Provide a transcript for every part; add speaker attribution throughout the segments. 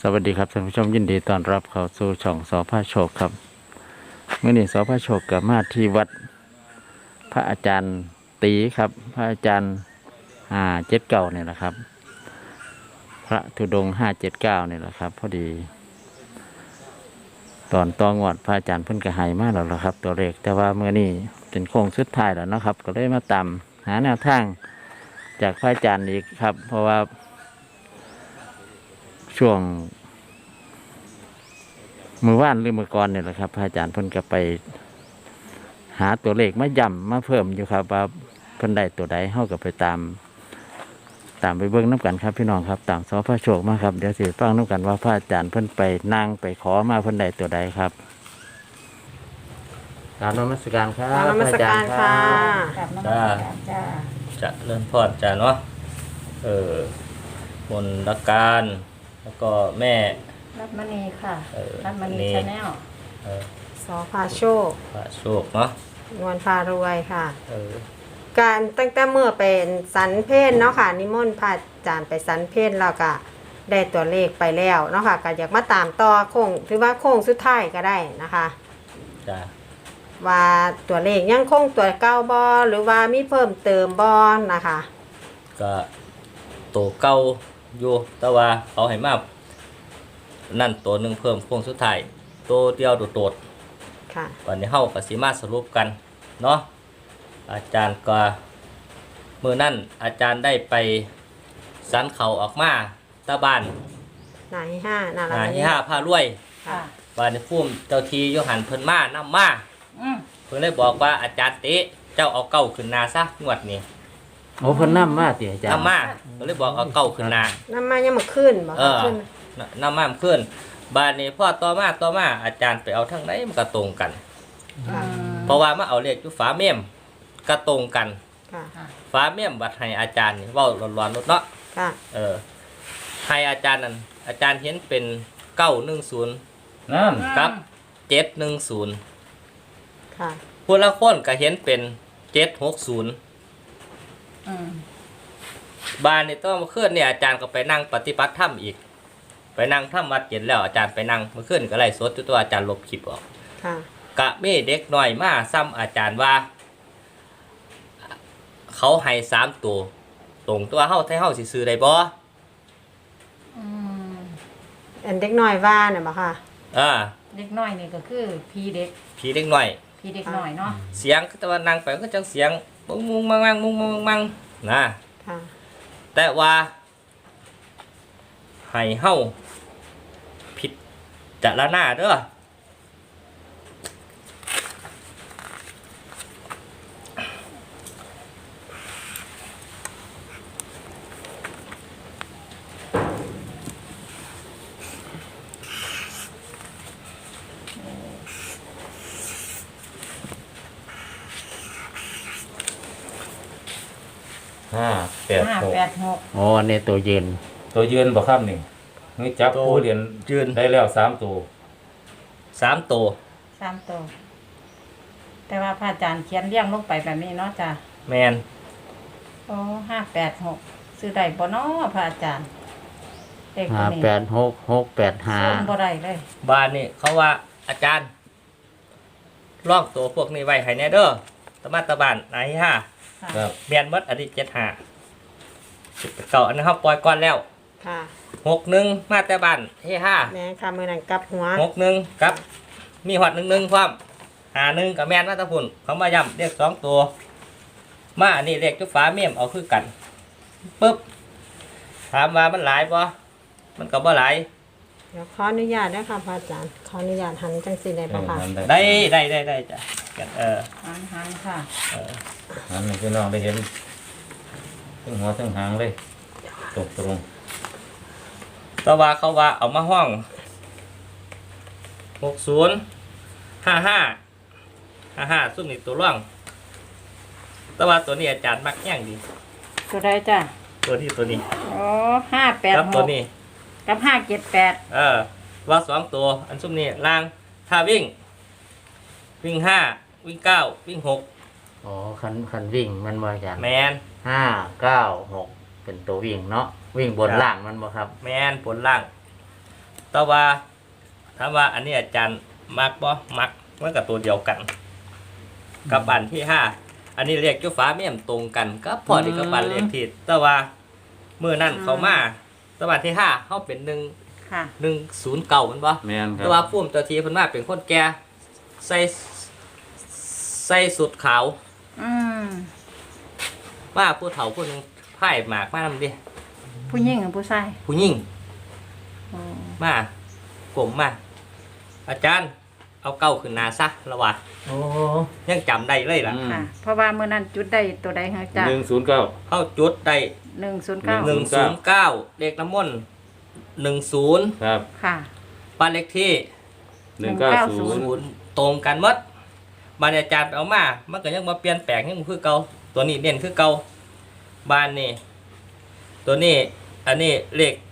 Speaker 1: สวัสดีครับท่านผู้ชมยินดีต้อนรับเข้าสู่ช่องสพโชคครับเมื่อนี้สพโชคกับมาที่วัดพระอาจารย์ตีครับพระอาจารย์579เนี่ยแหละครับพระธุดงค์579เนี่ยแหละครับพอดีตอนตองวดพระอาจารย์เพิ่นกระหายมากแล้วล่ะครับตัวเลขแต่ว่าเมื่อนี้เป็นโค้งสุดท้ายแล้วนะครับก็เลยมาตามหาแนวทางจากพระอาจารย์อีกครับเพราะว่าช่วงมือว่านหรือมือก่อนเนี่ยแหละครับพระอาจารย์เพิ่นก็ไปหาตัวเลขมาย่ำมาเพิ่มอยู่ครับว่าเพิ่นได้ตัวใดเฮาก็ไปตามไปเบิ่งน้ำกันครับพี่น้องครับตามสพโชคมาครับเดี๋ยวสิฟังน้ำกันว่าพระอาจารย์เพิ่นไปนั่งไปขอมาเพิ่นได้ตัวใดครับกราบนมัสการครับ
Speaker 2: กราบนมัสการค่ะ
Speaker 3: กับน้ำมันจ้า
Speaker 4: จะเริ่มพอดจ้ะเนาะมนต์ละการแล้วก็แม่
Speaker 3: รัตมณีค่ะ รัตมณี
Speaker 4: นี่
Speaker 3: ชาแนล
Speaker 4: เออ
Speaker 2: สอพาโชค
Speaker 4: พระโชคเนาะ
Speaker 2: นวลพารวยค่ะ
Speaker 4: เออ
Speaker 2: การตั้งแต่เมื่อเป็นสันเพศเนาะค่ะนิมนต์พระอาจารย์ไปสันเพศแล้วก็ได้ตัวเลขไปแล้วเนาะค่ะก็อยากมาตามต่อโค้งถือว่าโค้งสุดท้ายก็ได้นะคะ
Speaker 4: จ้ะ
Speaker 2: ว่าตัวเลขยังคงตัวเก้าบอหรือว่ามีเพิ่มเติมบอนะคะ
Speaker 4: ก็โตเก่าอยู่แต่ว่าเขาให้มานั่นตัวหนึ่งเพิ่มโค้งสุดท้ายตัวเดียวโดด
Speaker 2: ค่ะ
Speaker 4: ๆวันนี้เฮาก็สิมาสรุปกันเนาะอาจารย์ก็มื้อนั้นอาจารย์ได้ไปสันเขาออกมาตะบ้าน
Speaker 2: หนาที่ห้าหนาละ
Speaker 4: ที่5พารวย
Speaker 2: ค่ะ
Speaker 4: ว่าในภูมิเจ้าทีโยหันเพิ่นมานำมา
Speaker 3: อืม
Speaker 4: เพิ่นเลยบอกว่าอาจารย์เตะเจ้าเอาเก้าขึ้นนาซะงวดนี้
Speaker 1: โอ้เพิ่นนำมาติอาจารย์
Speaker 4: นำมาเพิ่นเลยบอกเอาเก้าขึ้นนา
Speaker 2: น้ำมายังมาขึ้นบอก
Speaker 4: เออ
Speaker 2: ขึ้น
Speaker 4: นำมาขึ้นบาดนี้พ่อต่อมาอาจารย์ไปเอาทั้งไหนมันก็ตรงกัน
Speaker 2: ค่ะ
Speaker 4: เพราะว่ามาเอาเลขอยู่ฝาเมี่ยมก็ตรงกัน
Speaker 2: ค่ะ
Speaker 4: ฝาเมี่ยมบัดให้อาจารย์นี่เว้าร้อนๆลดเนาะ
Speaker 2: ค่ะ
Speaker 4: ให้อาจารย์นั่นอาจารย์เห็นเป็น910
Speaker 1: นั่น
Speaker 4: กับ710
Speaker 2: ค่ะ
Speaker 4: ผู้ละคนก็เห็นเป็น760
Speaker 3: อืม
Speaker 4: บานนี่ต้องมาขึ้นเนี่ยอาจารย์ก็ไปนั่งปฏิบัติธรรมอีก ไปนั่งทำวัดเย็นแล้วอาจารย์ไปนั่งมาขึ้นก็ไล่สดอยู่ตัวอาจารย์ลบคลิปออก
Speaker 2: ค่ะ
Speaker 4: กะเม่เด็กหน่อยมาซ้ำอาจารย์ว่า เขาให้3ตัวตรงตัวเฮาไทเฮาสิซื้อได้บ่
Speaker 3: อืม
Speaker 2: อันเด็กน้อยว่าเนี่ยบอกค่ะ
Speaker 3: เด็กน้อยนี่ก็คือพี่เด็ก
Speaker 4: ผีเด็กหน่อย
Speaker 3: พี่เด็กน้อยเนาะ
Speaker 4: เสียงแต่ว่านั่งไปก็จังเสียงมุงมุงมังมังมุงมุงมังนะ
Speaker 2: ค่ะ
Speaker 4: แต่ว่าให้เฮาผิดจารณาเด้อ
Speaker 3: 586
Speaker 1: โอ้อันนี้ตัวยืน
Speaker 5: ตัวยืนบ่ครับนี่นี่จับผู้เหรียญ
Speaker 4: ยืน
Speaker 5: ได้แล้ว3ตัว
Speaker 4: 3ตัว
Speaker 3: 3ตัวแต่ว่าพระอาจารย์เขียนเรียงลงไปแบบนี้เนาะจ้ะ
Speaker 4: แมน
Speaker 3: โอ้586ซื้อได้บ่เนาะพระอาจารย์เลขตัวนี้
Speaker 1: 586
Speaker 3: ซื้อบ่
Speaker 1: 685
Speaker 3: ได้เลย
Speaker 4: บ้านนี่เขาว่าอาจารย์ลอกตัวพวกนี้ไว้ให้แน่เด้อตะมาตะบานไหนฮะ
Speaker 3: ค่ะ
Speaker 5: ครับ
Speaker 4: เมียนมดอันนี้75เก่าอันนี้เขาปล่อยก่อนแล้ว
Speaker 2: ค่ะ
Speaker 4: 61มาแต่บ้านเฮ้ห้า
Speaker 2: แม่ค่ะมือนังกลับหัว
Speaker 4: 61ครับมีหอด11พร้อม51กับแม่นมาตะพุ่นเขามาย้ำเลข2ตัวมาอันนี้เลขจุฟ้าเมี่ยมเอาคือกันปึ๊บถามว่ามันหลายบ่มันก็บ่หลาย
Speaker 2: เดี๋ยวขออนุญาตนะคะพระอาจารย์ขออนุญาตหันจังสีได้ปะคะ
Speaker 5: นั่น
Speaker 4: ได้จ้ะ
Speaker 3: หันค่ะ
Speaker 5: นั่นให้พี่น้องได้เห็นทั้งหัวทั้งหางเลยตรง
Speaker 4: แต่ว่าเขาว่าเอามาห้อง6055ซุ่มนี่ตัวร่องแต่ว่าตัวนี้อาจารย์มักแย่งดี
Speaker 3: ตัวใดจ้ะ
Speaker 4: ตัวนี้
Speaker 3: โอ้
Speaker 4: ครับตัวนี้
Speaker 3: 586กับ578
Speaker 4: ว่า2ตัวอันซุ่มนี่ล่างถ้าวิ่ง5วิ่ง9วิ่ง6
Speaker 1: อ๋อคันวิ่งมันบ่อาจารย์
Speaker 4: แมน
Speaker 1: 596เป็นตัววิ่งเนาะวิ่งบน
Speaker 4: ครับ
Speaker 1: ล่างมันบ่ครับ
Speaker 4: แมนผลล่างแต่ว่าถามว่าอันนี้อาจารย์มักบ่มักมันก็ตัวเดียวกัน กับอันที่ห้าอันนี้เลขอยู่ฟ้าเมี่ยมตรงกันก็พอดีกับอันเลขที่แต่ว่าเมื่อนั้นเขามาแต่ว่าอันที่ห้าเขาเป็น
Speaker 3: ค่ะ
Speaker 4: 109มันบ่
Speaker 5: แม่นครั
Speaker 4: แต่
Speaker 5: บ
Speaker 4: ว่าพุ่มตัวทีเพิ่นมาเป็นคนแก่ใส่สุดขาว
Speaker 3: อืม
Speaker 4: ว่าผู้เฒ่าผู้หนึงไพ่หมากมานำดิ
Speaker 3: ผู้หญิงกับผู้ชาย
Speaker 4: ผู้หญิง
Speaker 3: อ๋อ
Speaker 4: มากลมมาอาจารย์เอาเก้าขึ้นหน้าซะละว่า
Speaker 5: โอ้
Speaker 4: ยังจำได้เลยล่ะ
Speaker 3: ค่ะ เพราะว่าเมื่อนั้นจุดได้ตัวใดคะจ้ะ
Speaker 5: 109
Speaker 4: เข้าจุดได้
Speaker 3: 109
Speaker 4: 109เลขน้ำมนต์10
Speaker 5: ครับ
Speaker 3: ค่ะ
Speaker 4: บ้านเลขที่
Speaker 5: 190
Speaker 4: 0ตรงกันหมดบ้านอาจารย์ไปเอามามันก็ยังมาเปลี่ยนแปลงยังคือเก่าตัวนี้เน้นคือเก่าบ้านนี่ตัวนี้อันนี้เลข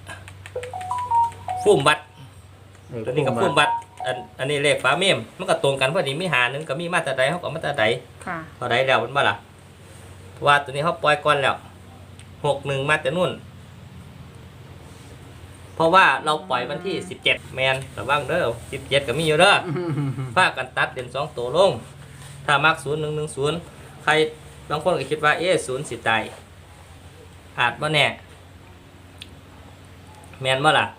Speaker 4: ฟุ่มบัตรตัวนี้ก็ฟุ่มบัตรอันนี้เลขฝาเมมมันก็ตรงกันพอดีมีหาหนึ่งก็มีมาตราใดเขาก็มาตราใด
Speaker 3: ค่ะ
Speaker 4: พอใดแล้วมันบ่ล่ะเพราะว่าตัวนี้เขาปล่อยก่อนแล้ว61มาแต่นู่นเพราะว่าเราปล่อยวันที่17แมนระวังเด้อ17ก็มีอยู่เด้อ พากันตัดเด่น2ตัวลง ถ้ามัก0110ใครบางคนก็คิดว่า0สิตายอาจบ่แน่แมนบ่ล่ะ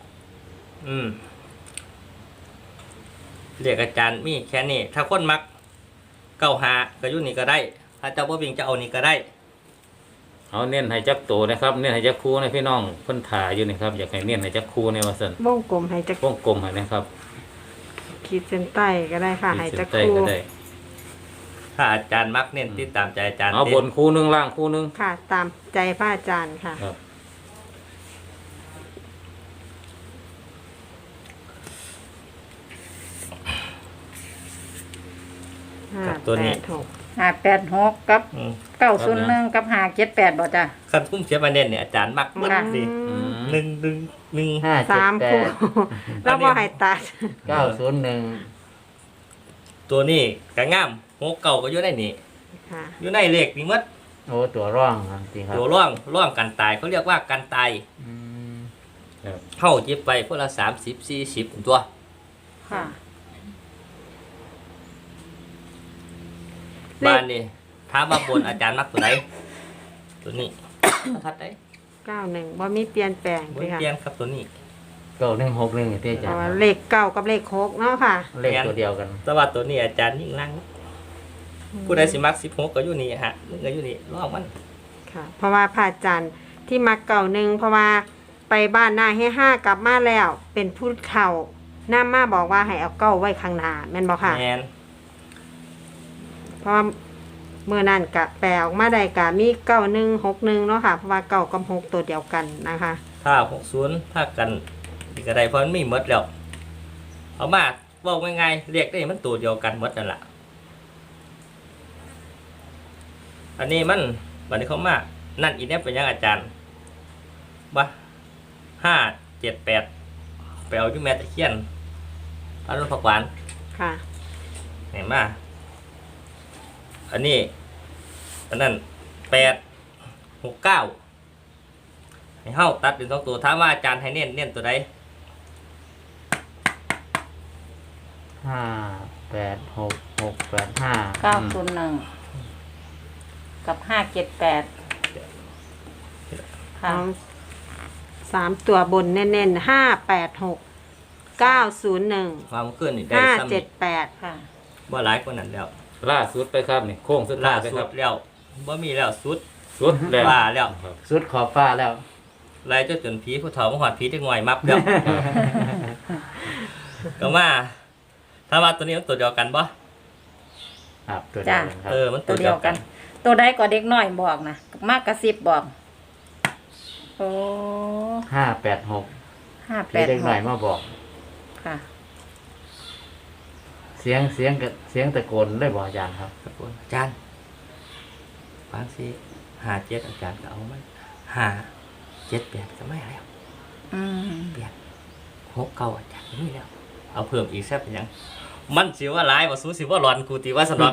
Speaker 4: เรียกอาจารย์มีแค่นี้ถ้าคนมักเก้าหาก็อยู่นี่ก็ได้ ถ้าเจ้าบ่วิ่งจะเอานี่ก็ได้
Speaker 5: เอาเน้นให้จักโตนะครับเน้นให้จักคู่นะพี่น้องเพิ่นถ่ายอยู่นี่ครับอยากให้เน้นให้จักคู่ในว่าซั่น
Speaker 2: วงกลมให้จัก
Speaker 5: วงกลมให้นะครับ
Speaker 2: ขีดเส้นใต้ก็ได้ค่ะให้จัก
Speaker 5: ขีดเส้นใต้
Speaker 2: คู่
Speaker 5: ก็ได้
Speaker 4: ถ้าอาจารย์มักเน้นติดตามใจอาจารย์
Speaker 5: เอาบนคู่หนึงล่างคู่หนึง
Speaker 2: ค่ะ ตามใจพระอาจารย์ค่ะ
Speaker 5: ครับ
Speaker 3: 586กับ
Speaker 4: อืม
Speaker 3: 901กับ578บ่จ้ะ
Speaker 4: คันคุ้มเสียมาเน้นเนี่ยอาจารย์มักหมด
Speaker 3: ค่ะ
Speaker 4: สิ
Speaker 5: อืม
Speaker 4: หนึ่งหนึ่งหนึ่ง
Speaker 2: สามคู่แล้วพอให้ตัด
Speaker 1: 901
Speaker 4: ตัวนี้ก็งามหัวเก่าก็อยู่ในนี่
Speaker 2: ค่ะ
Speaker 4: อยู่ในเลขนี่หมด
Speaker 1: โอ้ตัวร่องครับจริงครับ
Speaker 4: ตัวร่องกันตายเขาเรียกว่ากันตาย
Speaker 1: อืม
Speaker 4: เข้าจิบไปพวกละ30-40ตัว
Speaker 3: ค่ะ
Speaker 4: บ้านนี่ถามว่าบนอาจารย์มักตัวไหนตัวนี้ ทัดได้
Speaker 2: 91บ่มีเปลี่ยนแปลง
Speaker 4: บน
Speaker 2: เลยค่ะ
Speaker 4: เปลี่ยนครับตัวนี้
Speaker 1: 9161ที่อา
Speaker 2: เพ
Speaker 1: จาร
Speaker 2: ราะ
Speaker 1: ย์
Speaker 2: ว่าเลขเก้ากับเลข6เนาะค่ะ
Speaker 1: เลขตัวเดียวกัน
Speaker 4: แต่ว่าตัวนี้อาจารย์ยิ่งนั่งผู้ใดสิมัก16ก็อยู่นี่ฮะนึงก็อยู่นี่ลองมัน
Speaker 2: ค่ะ เพราะว่าพระอาจารย์ที่มักเก่าหนึ่งเพราะว่าไปบ้านหน้าให้5กลับมาแล้ว เป็นผู้เฒ่าน้ามาบอกว่าให้เอาเก้าไว้ข้างหน้าแม่นบ่ค่ะ
Speaker 4: แมน
Speaker 2: เพราะว่าเมื่อนั้นกะแปลออกมาได้กะมี9161เนาะค่ะเพราะว่าเก้ากับ6ตัวเดียวกันนะคะ
Speaker 4: ถ้า60ถ้ากันอีกก็ได้เพราะมันมีหมดแล้วเอามาเว้าง่ายๆเรียกได้มันตัวเดียวกันหมดนั่นล่ะอันนี้มันบัดนี้เขามานั่นอีเนี่ยเป็นยังอาจารย์บ่578ไปเอาอยู่แม่ตะเคียนอรุณผักหวาน
Speaker 2: ค่ะ
Speaker 4: เห็นมาอันนี้อันนั้น869ให้เฮาตัดเป็น2ตัวถามว่าอาจารย์ให้เน้นตัวใด
Speaker 1: 586685
Speaker 3: 901กับ578ค่ะ
Speaker 2: เอา3ตัวบนแน่นๆ586 901
Speaker 4: ความขึ้นนี่ได้ซ้ำ
Speaker 2: 578
Speaker 3: ค่ะ
Speaker 4: บ่หลายกว่านั้นแล้ว
Speaker 5: ล่าสุดไปครับนี่โค้งสุดท้า
Speaker 4: ล่าย
Speaker 5: ไป
Speaker 4: สุ
Speaker 5: ครั
Speaker 4: ด
Speaker 5: บ
Speaker 4: แล้วบ่มีแล้วสุด
Speaker 5: สุดแล้ว
Speaker 4: ว่าแล้ว
Speaker 5: ครับ
Speaker 1: สุดขอบฟ้าแล้ว
Speaker 4: ไล่จนผีผู้เฒ่ามาหอดผีได้ง่อยมับแล้ว ก็มาถ้าว่าตัวนี้มันตัวเดียวกันบ่
Speaker 1: ครับตัวเดียวกันครับ
Speaker 4: มัน
Speaker 3: ตัวเดียวกัน ตัวใดก็เด็กน้อยบอกนะมากกระซิบบอก โอ้
Speaker 1: 586ที่เด็กหน่อย
Speaker 3: 586
Speaker 1: มาบอก
Speaker 3: ค่ะ
Speaker 1: เสียงตะโกนได้บอกอาจารย์ครับ
Speaker 4: ครับผมอาจารย์บางสิ57อาจารย์ก็เอามัน578ก็ไม่แล้ว
Speaker 3: อืม
Speaker 4: 69อาจารย์ก็มีแล้ว เอาเพิ่มอีกแซ่บเป็นหยัง มันสิว่าหลายบ่สู้สิว่าร้อนกูติว่าสนอก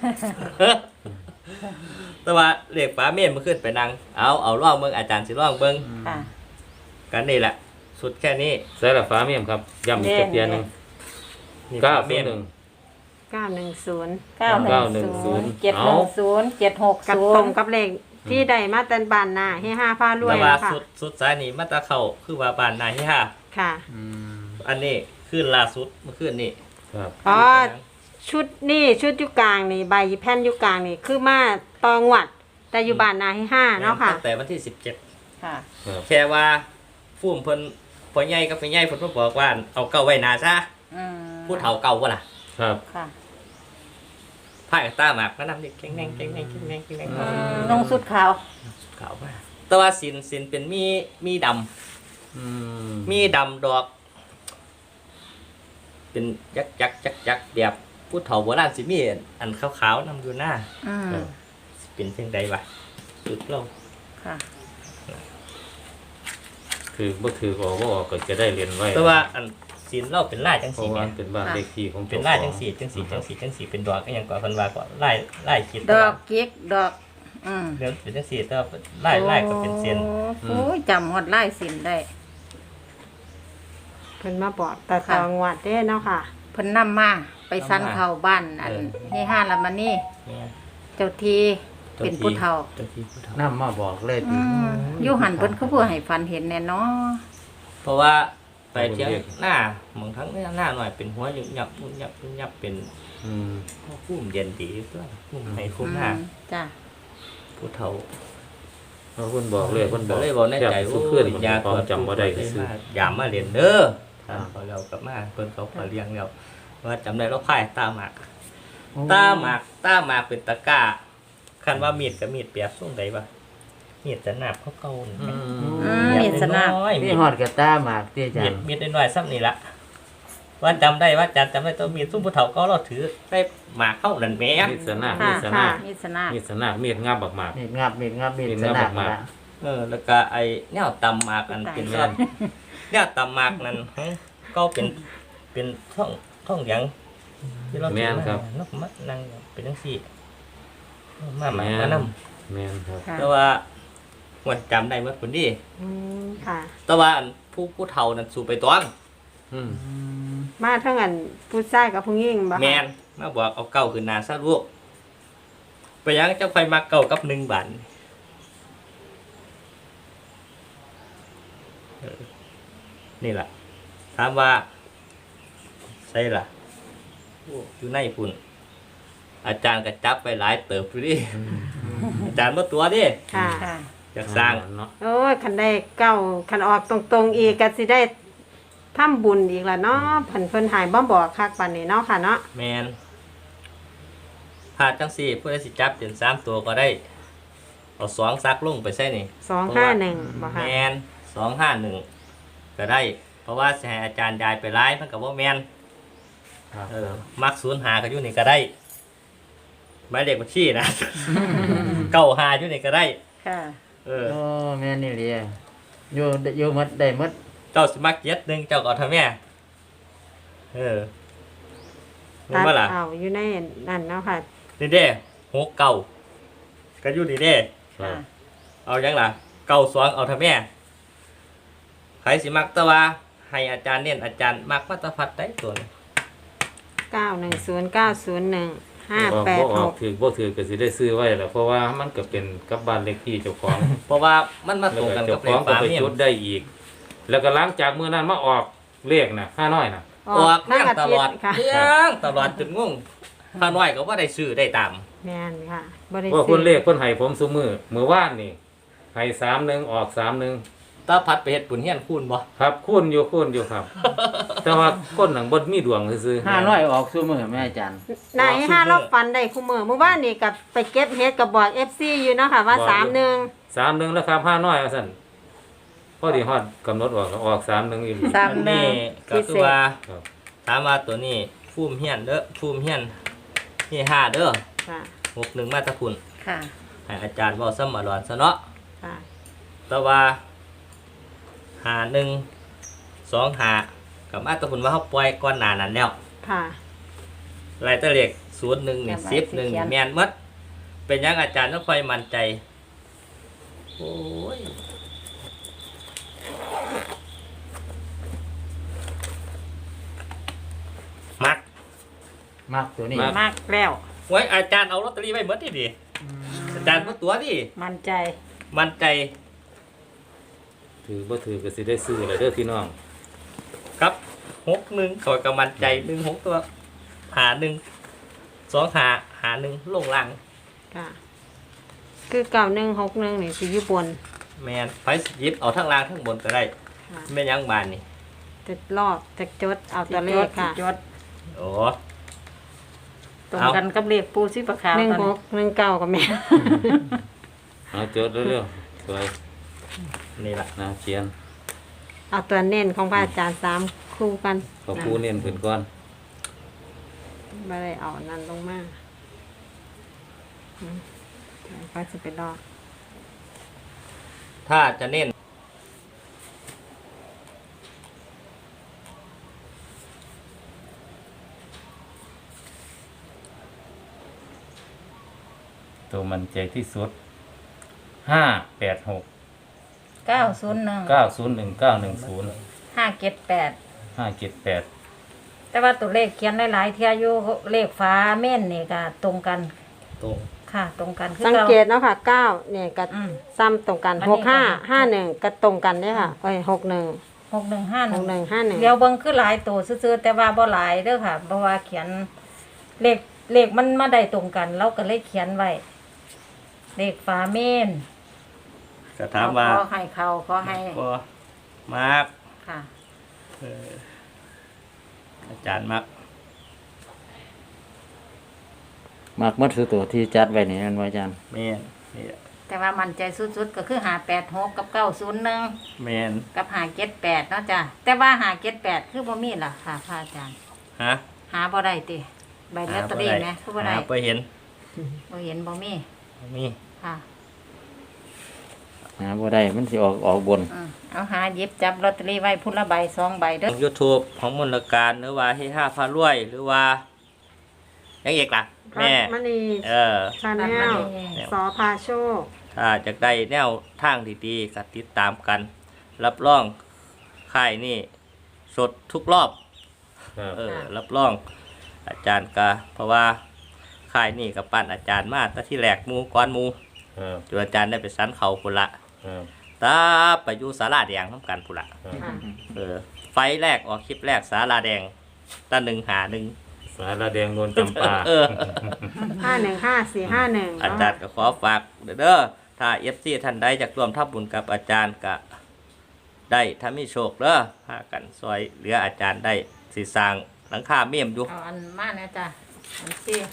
Speaker 4: แต่ว่าเลขฟ้าเมนมันขึ้นไปนั่งเอาล่องเบิ่งอาจารย์สิล่องเบิ่ง
Speaker 3: ค่ะ
Speaker 4: กันนี่แหละสุดแค่นี้
Speaker 5: ใส่ละฟ้าเมียมครับย้ำอีกจักเทียหนึง
Speaker 4: นี่
Speaker 5: 901
Speaker 4: ฟ้าเมี่ยม
Speaker 2: 910
Speaker 3: 910 710
Speaker 2: กับตรงกับเลขที่ได้มาแต่บ้านหน้าให้5พารวย
Speaker 4: แต่ว่า
Speaker 2: แล้วค่ะ
Speaker 4: สุดสายนี่มาตาเข้าคือว่าบ้านนายที่ห้า
Speaker 2: ค่ะ
Speaker 4: อันนี้ขึ้นล่าสุดเมื่อคืนนี่
Speaker 5: ครับ
Speaker 2: อ๋อ ชุดนี่ชุดอยุกลางนี่ใบแผ่นอยุกลางนี่คือมาตองหวัดแต่อยู่บ้านนาให้5เนาะค่ะ
Speaker 4: ตั้งแต่วันที่
Speaker 3: ค่ะ
Speaker 5: ครับ
Speaker 4: 17แค่ว่าฟูมเพิ่นพ่อใหญ่กับแม่ใหญ่เพิ่นมาบอกว่าเอาเก่าไว้หนาซะ
Speaker 3: อืม
Speaker 4: ผู้เฒ่าเก่าบ่ล่ะ
Speaker 5: ครับ
Speaker 3: ค่ะ
Speaker 4: พายกับตาหมากก็นำนี่แข็งแรงแข็งแรงแข็งแรงแข็งแรง
Speaker 3: ลงสุดขาว
Speaker 4: ขาวมากแต่ว่าสินเป็นมีดำ
Speaker 5: อืม
Speaker 4: มีดำดอก เป็นยักแบบผู้เฒ่าโบราณสิมีอันขาวๆนำอยู่หน้า
Speaker 3: อืม
Speaker 4: สิเป็นเพียงใดวะสุดเรา
Speaker 3: ค่ะ
Speaker 5: คือบ่ถือออกบ่ออกก็จะได้เรียนไว้
Speaker 4: แต่ว่าอันสินเราเป็นลายจัง
Speaker 5: เพ
Speaker 4: สี
Speaker 5: ราะว่า
Speaker 4: แม่
Speaker 5: เป็นบ้านเลขที่ของ
Speaker 4: เป็นลายจังสีเป็นดอกก็ยังก่อเพิ่นว่าก่อนลายคิด
Speaker 3: ดอกเก๊กดอก อืม
Speaker 4: เดี๋ยวเป็นจังสีแต่ว่าลายก็เป็นเส้น
Speaker 3: โอ้ยจำหดไล่สินได้
Speaker 2: เพิ่นมาบอกแต่ตองหวัดเด้เนาะค่ะ
Speaker 3: เพิ่นนำมาไปสันเข้าบ้านอันที่ห้าละมันนี่
Speaker 4: เนี่ย
Speaker 3: เจ้าทีเป็นผู้เฒ่า
Speaker 4: เจ้าที่ผู้เฒ่า
Speaker 1: นำมาบอกเลย
Speaker 3: อืมอยู่หันเพิ่นคือผู้ให้ฝันเห็นแน่เนาะ
Speaker 4: เพราะว่าไปเที่ยงหน้าบางครั้งหน้าหน่อยเป็นหัวยุ่ยับเป็น
Speaker 5: อืม
Speaker 4: พุ่มเย็นดีเพื่อพุ่มให้คุ้มหน้า
Speaker 3: จ้ะ
Speaker 4: ผู้เฒ่า
Speaker 5: เพราะเพิ่นบอกเลยเพิ่นบ
Speaker 4: ก็
Speaker 5: อก
Speaker 4: เลยบอกในใจ
Speaker 5: สุดขึ้น
Speaker 4: ยา
Speaker 5: ความจำบ่ได้ก็ซื้อ
Speaker 4: อย่ามาเรียนเด้อพอเรากลับมาเพิ่นเขาขอเลี้ยงแล้วว่าจำได้เราพ่ายตาหมากตาหมากเป็นตะกร้าคันว่ามีดกับมีดเปียกส่งใดวะมีดจะหนาบเขาเก่านี่
Speaker 5: อื
Speaker 3: มีดสนาบ
Speaker 4: น้อยๆ
Speaker 1: มี
Speaker 4: มีด
Speaker 1: ฮอดกระตาหมากที่อาจารย์
Speaker 4: มีดน้อยๆซ้ำนี่ละว่าจำได้ว่าจำได้ตัวมีดซุ่มผู้เฒ่าก็เราถือได้หมากเข้านั่นแหม่
Speaker 5: มีดสนา
Speaker 3: ค่ะ
Speaker 5: มีดสนา
Speaker 3: มีสนา
Speaker 5: มีดสนามีดงับบักหมาก
Speaker 1: มีดงับมีดงับมีด
Speaker 5: มีด
Speaker 1: ส
Speaker 5: งับ
Speaker 1: นับ
Speaker 5: มาก
Speaker 1: ละ
Speaker 4: แล้วก็ไอ้แนวตำหมากอันเป็นซ่อนแนวตำหมากนั่นก็เป็นท่องหยังที่เราถือมานกมัดนั่งเป็นจังซี่มาหมากมานำ
Speaker 5: แม่นครับ
Speaker 3: ค่ะ
Speaker 4: แต่ว่าวันจำได้เมื่อคนดี
Speaker 2: อืมค่ะ
Speaker 4: แต่ว่าอันผู้เฒ่านั้นสู่ไปตอง
Speaker 5: อืม
Speaker 2: มาทั้งอันผู้ชายกับผู้หญิงบ่คะ
Speaker 4: แมนมาบอกเอาเก่าขึ้นหนาซะลูกไปยังเจ้าไฟมาเก่ากับ1 บาทนี่แหละถามว่าใช่ล่ะอยู่ในปุ่นอาจารย์ก็จับไปหลายเติบอยู่ดิอาจารย์บ่ตัวดิ
Speaker 2: ค่ะ
Speaker 3: ค่ะ
Speaker 4: อยากสร้าง
Speaker 5: เนาะ
Speaker 2: โอ้ยคันได้เก้าคันออกตรงๆอีกก็สิได้ทำบุญอีกละเนาะเพิ่นหายบ่บอกคักปานนี้เนาะค่ะเนาะ
Speaker 4: แมนถ้าจังสี่ผู้ใดสิจับเป็น3 ตัวก็ได้ เอา2ซักลงไปใส่นี่
Speaker 2: 251บ่
Speaker 4: แม
Speaker 2: ค่ะ
Speaker 4: น251ก็ได้ เพราะว่าสิให้อาจารย์ยายไปไล่มันก็บ่แมน
Speaker 5: ครับ
Speaker 4: มัก05ก็อยู่นี่ก็ได้หมายเลขบัญชีนะ 95อยู่นี่ก็ได้
Speaker 3: ค่ะ
Speaker 4: เออ
Speaker 1: โอ้แม่นี่เลยอยู่หมดได้หมด
Speaker 4: เจ้าสิมัก71เจ้าก็เอาเท่าแม่เออรู้
Speaker 2: ตัด
Speaker 4: บ่ล่ะ
Speaker 2: เอาอยู่ในนั่นเนาะค่ะ
Speaker 4: นี่เด้69ก็อยู่นี่เด้
Speaker 5: ครับ
Speaker 4: เอายังล่ะ92เอาเท่าแม่ใครสิมักแต่ว่าให้อาจารย์เน้นอาจารย์มักมาตรพัดได้ตัวนี้
Speaker 2: 910901
Speaker 5: บ่ออก
Speaker 2: 586
Speaker 5: ถือบ่ถือก็สิได้ซื้อไว้แหล้วเพราะว่ามันก็เป็นกับบ้านเลขที่เจ้าของ
Speaker 4: เพราะว่ามันมา
Speaker 5: แล้
Speaker 4: ต
Speaker 5: ว
Speaker 4: รง
Speaker 5: ก็
Speaker 4: กัน
Speaker 5: เจ้า
Speaker 4: กับ
Speaker 5: ของก็
Speaker 4: เลขฝา
Speaker 5: ไป
Speaker 4: เมีย
Speaker 5: จุดได้อีก แล้วก็หลังจากมื้อนั้นมาออกเลขน่ะ5น้อยน่ะ
Speaker 2: อ
Speaker 4: อ
Speaker 2: อ
Speaker 4: อก ก
Speaker 2: ทั้
Speaker 4: เรื่อง
Speaker 2: อา
Speaker 4: ต
Speaker 2: ทิ
Speaker 4: ล
Speaker 2: ต
Speaker 4: อด
Speaker 2: ย์ค่ะ
Speaker 4: เรื่องตลอดจนงงข้าน้อยก็ว่าได้ซื้อได้ตาม
Speaker 2: แม่นค่ะบ่ได้
Speaker 5: ว่า
Speaker 2: ซื้
Speaker 5: เพิ่นเลขเพิ่นให้ผมซุมื้อวานนี่ให้31ออก31
Speaker 4: ตาพัดไปเฮ็ดบุญเฮียนคูณบ่
Speaker 5: ครับคูณอยู่ครับ แต่ว่าคนหนังบ่มีดวงซื่อๆ
Speaker 1: 500ออกซุมื้อแม่อาจารย์
Speaker 2: นายห้ารอบฟันได้คู่มือเมื่อวานนี่กับไปเก็บเฮ็ดกับบอก FC อยู่เนาะค่ะว่า
Speaker 5: บอกอยู่ 31แล้วครับ5น้อยว่าซั่นพอดีฮอดกำหนดออก31อีหลี
Speaker 3: สาม
Speaker 4: อันนี้ก็คือว่า
Speaker 5: ครับ
Speaker 4: ถามว่าตัวนี้ฟูมเฮียนเด้อฟูมเฮียนนี่5เด้อ
Speaker 2: ค่ะ
Speaker 4: 61มาตะคุณ
Speaker 3: ค่ะ
Speaker 4: ให้อาจารย์เว้าซ้ำมาหลอนซะเนาะ
Speaker 2: ค่ะ
Speaker 4: แต่ว่า51 25กับมาตะคุณว่าเฮาปล่อยก่อนหน้านั้นแล้ว
Speaker 2: ค่ะ
Speaker 4: รายตัวเลข01นี่10 1แม่นหมดเป็นหยังอาจารย์ต้องค่อยมั่นใจโอ้ย
Speaker 1: มากตัวนี้
Speaker 3: มากแล้ว
Speaker 4: ไว้อาจารย์เอาลอตเตอรี่ไว้หมดที่ดิอาจารย์มาตัวดิ
Speaker 3: มั่นใจ
Speaker 4: มั่นใจ
Speaker 5: ถือบ่ถือก็สิได้ซื้อเลยเด้อพี่น้อง
Speaker 4: ครับ61ขอยกับมั่นใจ16ตัวหา1 2หา1ลงล่าง
Speaker 2: ค่ะ คือ9161นี่สิอยู่บน
Speaker 4: แมนไฟหยิบเอาทั้งล่างทั้งบนก็ได้
Speaker 2: ค่ะ
Speaker 4: แม่นยังบานนี่
Speaker 2: จะรอบจะจดเอาตัวเลขค่ะ
Speaker 3: จด
Speaker 4: โอ้
Speaker 3: ตรงกันกับเลขปูชีพขาวตอนนี้
Speaker 2: 1619ก็แม่น
Speaker 5: เอาจดเร็วๆสวย
Speaker 4: นี่ล่ะ
Speaker 5: นะเขียน
Speaker 2: เอาตัวเน้นของพระอาจารย์3คู่กัน
Speaker 5: ขอปูเน้นเพิ่นก่อน
Speaker 2: บ่ได้เอานั่นลงมาก็สิไปรอ
Speaker 4: ถ้าจะเน้น
Speaker 5: ตัวมันใจที่สุด586
Speaker 3: 901
Speaker 5: 901 910
Speaker 3: 578
Speaker 5: 578
Speaker 3: แต่ว่าตัวเลขเขียนหลายๆเที่ยอยู่เลขฟ้าเม่นนี่ก็ตรงกัน
Speaker 4: ตรง
Speaker 3: ค่ะ ตรงกันคือ
Speaker 2: สังเกตเนาะค่ะ9เนี่ยก็
Speaker 3: อืม
Speaker 2: ซ้ำตรงกัน
Speaker 3: อันนี้ก็
Speaker 2: 6551ก็ตรงกันเด้อค่ะเอ้ย61
Speaker 3: 6151
Speaker 2: 6151
Speaker 3: เดี๋ยวเบิ่งคือหลายตัวซื่อๆแต่ว่าบ่หลายเด้อค่ะเพราะว่าเขียนเลขมันมาได้ตรงกันเราก็เลยเขียนไว้เลขฟ้าเม่น
Speaker 4: ก็ถามว่า
Speaker 3: ขอให้เขาขอให้
Speaker 4: ก็มาก
Speaker 3: ค่ะ
Speaker 4: อาจารย์มัก
Speaker 1: มากหมดคือตัวที่จัดไว้นี่นั่นว่าอาจารย์
Speaker 4: แม่นนี่ล่ะ
Speaker 3: แต่ว่ามันใจสุดๆก็คือ586กับ901
Speaker 4: แม่น
Speaker 3: กับ578เนาะจ้ะแต่ว่า578คือบ่มีล่ะค่ะพระอาจารย์
Speaker 4: ฮะ
Speaker 3: หาบ่ได้ติใบลอตเตอรี่แหมคือบ่ได้
Speaker 4: หาไปเห็น
Speaker 3: บ่เห็นบ่มี
Speaker 4: มี
Speaker 3: ค่ะ
Speaker 1: หาบ่ได้มันสิออกบน
Speaker 3: เอาหาหยิบจับลอตเตอรี่ไว้พุ่นละใบ2ใบเด้อ
Speaker 4: ยูทูบของมนต์การหรือว่าให้5พารวยหรือว่ายังอีกล่ะแม่
Speaker 2: มณี ชาแนลสอพาโชค
Speaker 4: ถ้าจะได้แนวทางดีๆก็ติดตามกัน รับรองค่ายนี่สดทุกรอบ
Speaker 5: ครับ
Speaker 4: รับรองอาจารย์ก็เพราะว่าค่ายนี่กับปั้นอาจารย์มาตั้งที่แหลกหมูก้อนหมู
Speaker 5: ครับ
Speaker 4: จนอาจารย์ได้ไปสันเขาพุ่นละ
Speaker 5: ครับ
Speaker 4: ตาไปอยู่ศาลาแดงน้ำกันพุ่นละ
Speaker 5: ครับ
Speaker 2: ค่ะ
Speaker 4: ไฟแรกออกคลิปแรกศาลาแดงตา1
Speaker 5: สาระแดงโดนจำปา
Speaker 4: เออ
Speaker 2: 515451
Speaker 4: อาจารย์ก็ขอฝากเด้อถ้า FC ท่านใดอยากร่วมทับบุญกับอาจารย์ก็ได้ถ้ามีโชคเด้อพากันซอยเหลืออาจารย์ได้สิสร้างหลังคาเมี่ยมอยู่
Speaker 3: เอาอันมาเนี่ยจ้ะอันที่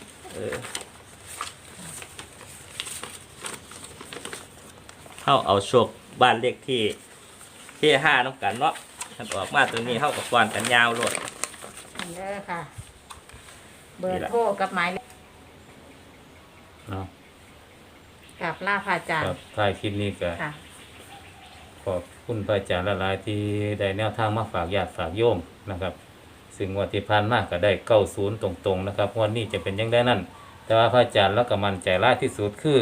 Speaker 4: เข้าเอาโชคบ้านเลขที่5น้ำกันเนาะท่านออกมาตัวนี้เข้ากับกวนกันยาวโลด
Speaker 3: อันเด้อค่ะ เบอ
Speaker 4: นี่
Speaker 3: ร์
Speaker 4: ล่ะ
Speaker 3: โทรกับหมายเลข
Speaker 5: เนาะ
Speaker 3: กับลาพระอาจาร
Speaker 5: ค
Speaker 3: ย์
Speaker 5: รับท้ายคลิปนี้ก็
Speaker 3: ค่ะ
Speaker 5: ขอบคุณพระอาจารย์หลายๆที่ได้แนวทางมาฝากญาติฝากโยมนะครับ ซึ่งงวันที่ผ่านมาก็ได้90ตรงๆนะครับงวันนี้จะเป็นยังได้นั่น แต่ว่าพระอาจารย์แล้วก็มั่นใจหลายที่สุดคือ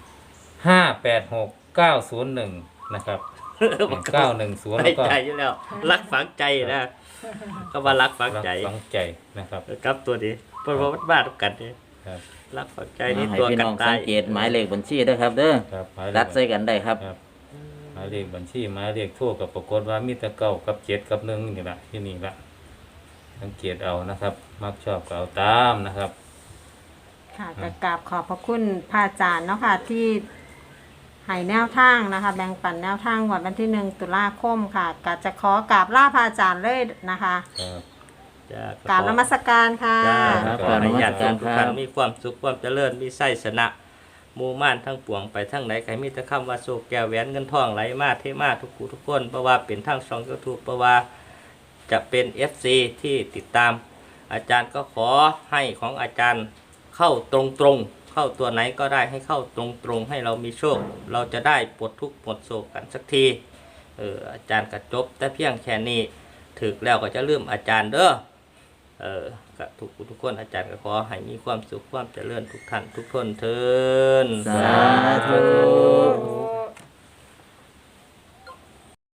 Speaker 5: 586 901นะครับ910
Speaker 4: ใน
Speaker 5: แล้วก็
Speaker 4: ใจอยู่แล้ว รักฝังใจนะก็ว่ารักฝังใจ
Speaker 5: ฝังใจนะครับ
Speaker 4: ครับตัวนี้เพราะว่ามันบ้าทุกกันนี่
Speaker 5: ครับ
Speaker 4: รักฝังใจนี่
Speaker 1: ให้
Speaker 4: ตัว
Speaker 1: พี่
Speaker 4: กัน
Speaker 1: น้อง
Speaker 4: ตา
Speaker 1: สั
Speaker 4: ย
Speaker 1: งเกตหมายเลขบัญชีเด้อครับเด้อ
Speaker 5: ครับหมายเล
Speaker 1: รั
Speaker 5: ข
Speaker 1: ดใส่กันได้ครับ
Speaker 5: ครับหมายเลขบัญชีหมายเลขโทรกับปรากฏว่ามีแต่9กับ7กับ1นี่ละที่นี่ละสังเกตเอานะครับ มักชอบก็เอาตามนะครับ
Speaker 2: ค่ะก็กราบขอบพระคุณพระอาจารย์เนาะค่ะที่ให้แนวทางนะคะ แบ่งปันแนวทางวันที่1 ตุลาคมค่ะก็จะขอกราบลาพระอาจารย์เลยนะคะ
Speaker 5: ครับ
Speaker 4: จ้ะ
Speaker 2: กราบนมัสการค่ะ
Speaker 4: จ้า
Speaker 1: ครับ
Speaker 4: ขอให้ญาติโยม
Speaker 1: ข
Speaker 4: ทุ
Speaker 1: อบ
Speaker 4: ก
Speaker 1: คุณครับ
Speaker 4: ท่านมีความสุขความเจริญมีไส้ชนะหมู่ม่านทั้งปวงไปทั้งไหนใครมีแต่คำว่าโศกแก้วแหวนเงินทองไหลมาเทมาทุกผู้ทุกคนเพราะว่าเป็นทั้งช่องยูทูบเพราะว่าจะเป็น FC ที่ติดตาม อาจารย์ก็ขอให้ของอาจารย์เข้าตรงๆเข้าตัวไหนก็ได้ให้เข้าตรงๆให้เรามีโชค เราจะได้ปลดทุกข์ปลดโศกกันสักทีอาจารย์ก็จบแต่เพียงแค่นี้ถึกแล้วก็จะลืมอาจารย์เด้อกับทุกคนอาจารย์ก็ขอให้มีความสุขความเจริญทุกท่านทุกคนเทิน
Speaker 1: สาธุ